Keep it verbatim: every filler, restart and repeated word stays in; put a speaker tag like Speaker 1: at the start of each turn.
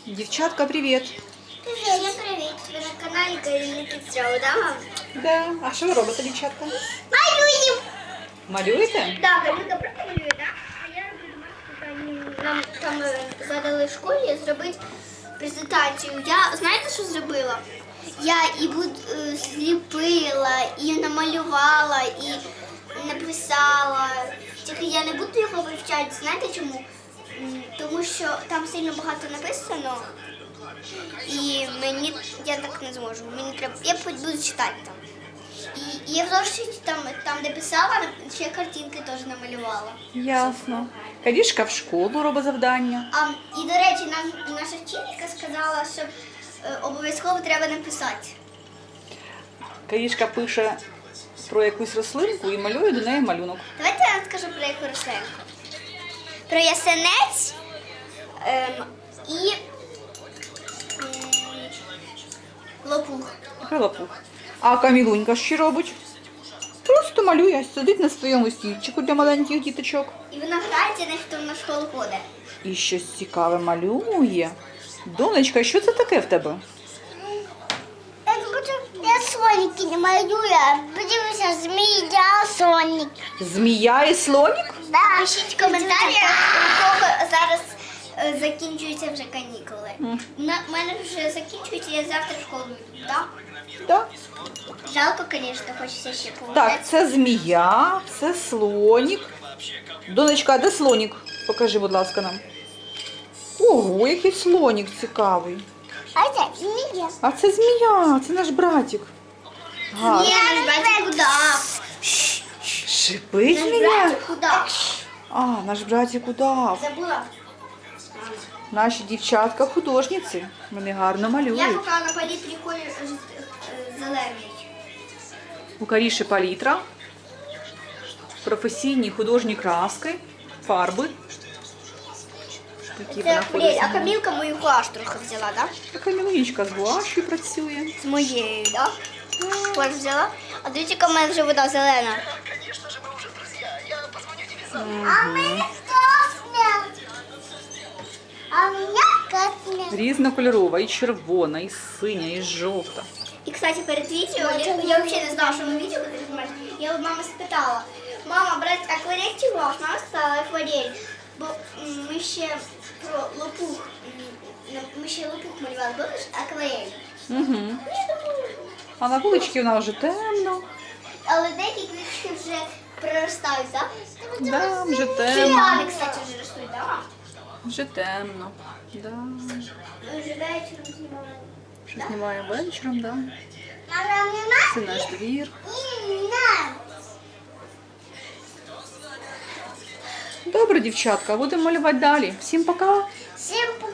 Speaker 1: Дівчатка, привіт!
Speaker 2: Привіт, я привіт. Ви на каналі Каріни Кіцрау, да, мам?
Speaker 1: Да. А що ви робите, дівчатка?
Speaker 2: Малюємо!
Speaker 1: Малюєте?
Speaker 2: Так, Карінка правда малює, так? А я роблю домашнє завдання. Нам там е, задали в школі зробити презентацію. Я, знаєте, що зробила? Я і буд, е, зліпила, і намалювала, і написала. Тільки я не буду його вивчати. Знаєте чому? М, Тому що там сильно багато написано. І мені я так не зможу. Мені треба. Я буду читати там. І, і я в зошиті там, там, де писала, ще картинки теж намалювала.
Speaker 1: Ясно. Карішка в школу робить завдання.
Speaker 2: А, і, до речі, нам наша вчителька сказала, що е, обов'язково треба написати.
Speaker 1: Карішка пише про якусь рослинку і малює до неї малюнок.
Speaker 2: Давайте я вам скажу про яку рослинку. Про ясенець ем, і м, лопух.
Speaker 1: Лопух. А Камілунька що робить? Просто малює, сидить на своєму стільчику для маленьких діточок.
Speaker 2: І вона грається, наче то в школу ходить.
Speaker 1: І щось цікаве малює. Донечка, що це таке в тебе?
Speaker 2: Я соніки не малюю, а подивися, змія, сонік.
Speaker 1: Змія і слонік?
Speaker 2: Да. Пишіть в коментарях, у кого зараз е, закінчуються вже канікули.
Speaker 1: Мгм.
Speaker 2: На мене вже закінчується, я завтра в школу йду, так?
Speaker 1: Так.
Speaker 2: Жалко, звісно, хочеться ще погуляти.
Speaker 1: Так, це змія, це слонік. Донечка, а де слонік? Покажи, будь ласка, нам. Ого, який слонік цікавий.
Speaker 2: А це змія.
Speaker 1: А це змія, це наш братик. Гарно.
Speaker 2: Ні, наш братик удав.
Speaker 1: Шипить
Speaker 2: Наш
Speaker 1: змія?
Speaker 2: братик удав.
Speaker 1: А, наш братик удав.
Speaker 2: Забула.
Speaker 1: Наші дівчатка художниці. Вони гарно
Speaker 2: Я
Speaker 1: малюють.
Speaker 2: поки на палітрі колір е, е, зелений.
Speaker 1: У Каріші палітра, професійні художні краски, фарби. Такі вона
Speaker 2: Це
Speaker 1: ходить.
Speaker 2: блін, а Камілка мою гуаш трохи взяла, так?
Speaker 1: Така Камілунічка з гуашю працює.
Speaker 2: З моєю, так? Ось взяла. А дивіться, яка в мене вже вода зелена. А мене красна. А мене красна.
Speaker 1: Різнокольорова, і червона, і синя, і жовта.
Speaker 2: І, кстати, перед відео, я, я взагалі не знала, що ми відео будемо знімати. Я у мами спитала, мама, брати акварель чи гуаш? Мама сказала акварель. Бо м, ми ще про лопух, м, ми ще лопух малювали, будеш акварель?
Speaker 1: Угу.
Speaker 2: Я думаю,
Speaker 1: А на вуличці вона вже темно.
Speaker 2: але деякі квітки вже проростають, так?
Speaker 1: Да, вже темно.
Speaker 2: Філіани, кстати, вже ростуть, так?
Speaker 1: Вже темно. Да.
Speaker 2: Ми вже вечором знімали.
Speaker 1: Що знімаємо вечором, да.
Speaker 2: Мама,
Speaker 1: Це наш двір. Добре, дівчатка, будемо малювати далі. Всім пока.
Speaker 2: Всім